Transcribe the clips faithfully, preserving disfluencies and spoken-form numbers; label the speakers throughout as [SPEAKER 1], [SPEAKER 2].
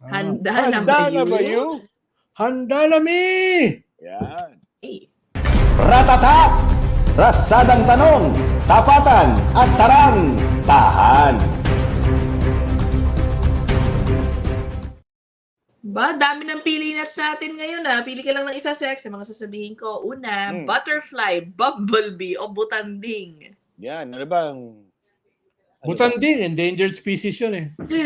[SPEAKER 1] Handa,
[SPEAKER 2] Handa
[SPEAKER 1] na ba
[SPEAKER 2] na ba
[SPEAKER 1] you?
[SPEAKER 2] you? Handa na mi!
[SPEAKER 3] Yan.
[SPEAKER 1] Eh,
[SPEAKER 4] Ratatak! Ratsadang tanong, tapatan at tarang, tahan.
[SPEAKER 1] Ba, dami ng pili nuts natin ngayon ah. Pili ka lang ng isa, Sex, sa mga sasabihin ko. Una,
[SPEAKER 3] Hmm.
[SPEAKER 1] butterfly, bumblebee, o butanding.
[SPEAKER 3] Yan. Ano bang... Ano
[SPEAKER 2] Butanding, endangered species yun eh.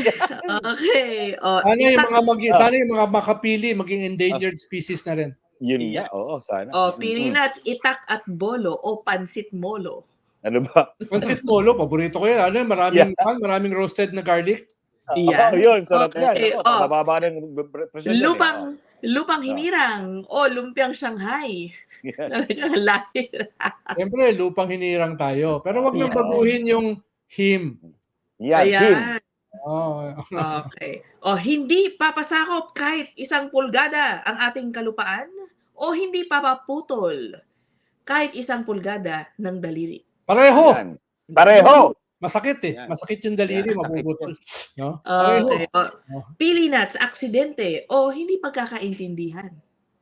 [SPEAKER 1] Okay. O,
[SPEAKER 2] Sana yung
[SPEAKER 1] itak-
[SPEAKER 2] mga, magi,
[SPEAKER 3] Ah.
[SPEAKER 2] sana yung mga makapili, maging endangered species na rin.
[SPEAKER 3] Yun
[SPEAKER 1] Yeah.
[SPEAKER 3] nga. Oo, sana.
[SPEAKER 1] o, pili
[SPEAKER 3] Mm-mm.
[SPEAKER 1] nuts, itak at bolo, o pansit molo.
[SPEAKER 3] Ano ba?
[SPEAKER 2] Pansit molo, paborito ko yan. Ano yun, maraming, pan, maraming roasted na garlic.
[SPEAKER 1] Yan.
[SPEAKER 3] Oo, yun. Sarap
[SPEAKER 1] Okay,
[SPEAKER 3] yan.
[SPEAKER 1] oh.
[SPEAKER 3] Ako, mababa ng presyon yan, eh.
[SPEAKER 1] Lupang, lupang
[SPEAKER 3] Ah.
[SPEAKER 1] hinirang, o lumpiang Shanghai.
[SPEAKER 3] Yan.
[SPEAKER 1] Talagang lahir.
[SPEAKER 2] Siyempre, lupang hinirang tayo. Pero wag nang
[SPEAKER 1] Yeah.
[SPEAKER 2] baguhin yung him.
[SPEAKER 3] Yan. Him.
[SPEAKER 1] Ayan.
[SPEAKER 2] Oh,
[SPEAKER 1] Okay. O, hindi papasakop kahit isang pulgada ang ating kalupaan o hindi papaputol kahit isang pulgada ng daliri.
[SPEAKER 2] pareho.
[SPEAKER 3] Yan. Pareho.
[SPEAKER 2] Masakit eh.
[SPEAKER 3] Yan.
[SPEAKER 2] Masakit yung daliri,
[SPEAKER 3] Yan, sakit
[SPEAKER 2] mabubutol. No? Pareho.
[SPEAKER 1] Okay. O, pili nuts, aksidente o hindi pagkakaintindihan.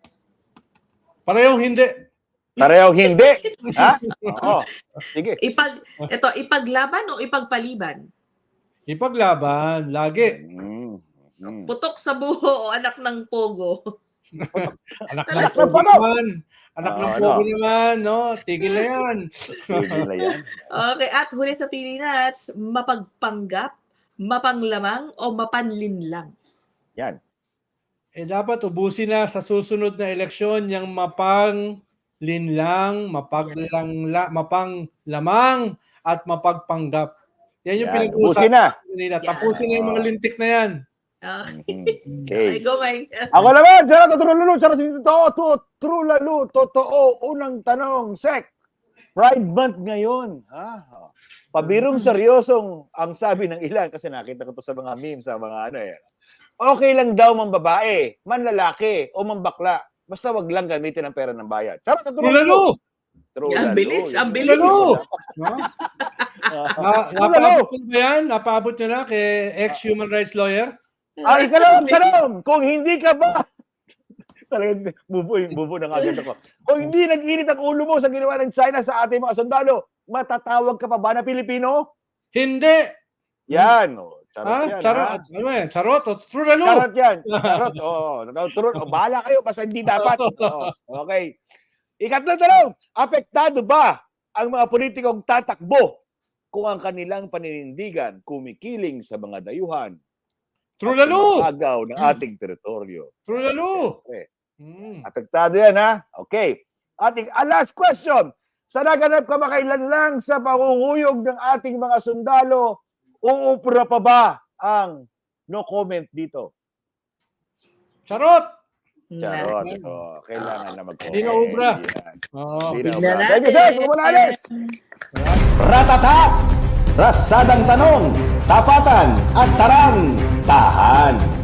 [SPEAKER 2] Parehong hindi.
[SPEAKER 3] Pareho hindi. Ha? Oo. Sige.
[SPEAKER 1] Ipag, ito, ipaglaban o ipagpaliban?
[SPEAKER 2] Ipaglaban, lagi.
[SPEAKER 3] Mm. Mm.
[SPEAKER 1] Putok sa buho o anak ng pogo?
[SPEAKER 2] Anak ng
[SPEAKER 3] Anak ng
[SPEAKER 2] pogo
[SPEAKER 3] ano?
[SPEAKER 2] naman. Anak ng
[SPEAKER 3] Ah,
[SPEAKER 2] pogo
[SPEAKER 3] ano?
[SPEAKER 2] naman, no? Tigil na yan.
[SPEAKER 3] Sige na yan.
[SPEAKER 1] Okay, at huli sa pili nuts, mapagpanggap, mapanglamang o mapanlinlang?
[SPEAKER 3] Yan.
[SPEAKER 2] Eh dapat ubusin na sa susunod na eleksyon yung mapang linlang, mapaglang, mapang lamang at mapagpanggap. Yan yung
[SPEAKER 3] Yan.
[SPEAKER 2] pinag-uusapan
[SPEAKER 3] Ubusin na.
[SPEAKER 2] nila.
[SPEAKER 1] Yan.
[SPEAKER 2] Tapusin na yung mga lintik na yan.
[SPEAKER 1] Okay.
[SPEAKER 3] Mhm.
[SPEAKER 1] Ay,
[SPEAKER 3] Okay.
[SPEAKER 1] go, Mike.
[SPEAKER 3] Ako naman, sarap na true lalo, sarap dito, to, true lalo, totoo, unang tanong, Sek, Pride Month ngayon, ha? Pabirong seryosong ang sabi ng ilan, kasi nakita ko to sa mga memes, sa mga ano eh, okay lang daw mang babae, man lalaki, o man bakla, basta wag lang gamitin ang pera ng bayad. Sarap na true
[SPEAKER 2] True lalo!
[SPEAKER 3] True
[SPEAKER 1] Ang
[SPEAKER 3] lalo.
[SPEAKER 1] bilis, ang
[SPEAKER 3] Yun.
[SPEAKER 1] bilis.
[SPEAKER 2] Lalo! No?
[SPEAKER 3] Ah,
[SPEAKER 2] Na, napaabot nyo ba yan? Napaabot nyo na kay ex-human rights lawyer?
[SPEAKER 3] Ah, ikalawang tanong, kung hindi ka ba, talagang bubo, bubo na agad ako. Kung hindi nag-init ang ulo mo sa ginawa ng China sa ating mga sundalo, matatawag ka pa ba na Pilipino?
[SPEAKER 2] Hindi!
[SPEAKER 3] Yan. Oh, charot
[SPEAKER 2] Ha?
[SPEAKER 3] yan.
[SPEAKER 2] Charot?
[SPEAKER 3] ha?
[SPEAKER 2] Ano yan? Charot? O true lalo?
[SPEAKER 3] Charot yan. Charot. Oo. Oh, true. Oh, bahala kayo, basta hindi dapat. Oh, okay. Ikatlong tanong, apektado ba ang mga politikong tatakbo kung ang kanilang paninindigan kumikiling sa mga dayuhan
[SPEAKER 2] True
[SPEAKER 3] at
[SPEAKER 2] lalo!
[SPEAKER 3] agaw ng ating teritoryo?
[SPEAKER 2] True lalo!
[SPEAKER 3] Siyempre.
[SPEAKER 2] Hmm.
[SPEAKER 3] Apektado yan, ha? Okay. Ating ah, last question. Sa naganap kamakailan lang sa pangunguyog ng ating mga sundalo, uupra pa ba ang no comment dito?
[SPEAKER 2] Charot!
[SPEAKER 3] Charot.
[SPEAKER 1] Na-
[SPEAKER 3] Oh, kailangan na mag-comment.
[SPEAKER 2] Hindi na ubra.
[SPEAKER 3] Yan.
[SPEAKER 2] Oo.
[SPEAKER 3] Hindi na
[SPEAKER 1] Tignan
[SPEAKER 3] ubra. Thank you, sir. Pumulalis.
[SPEAKER 4] Ratatak! Ratsadang tanong, tapatan at tarang, tahan.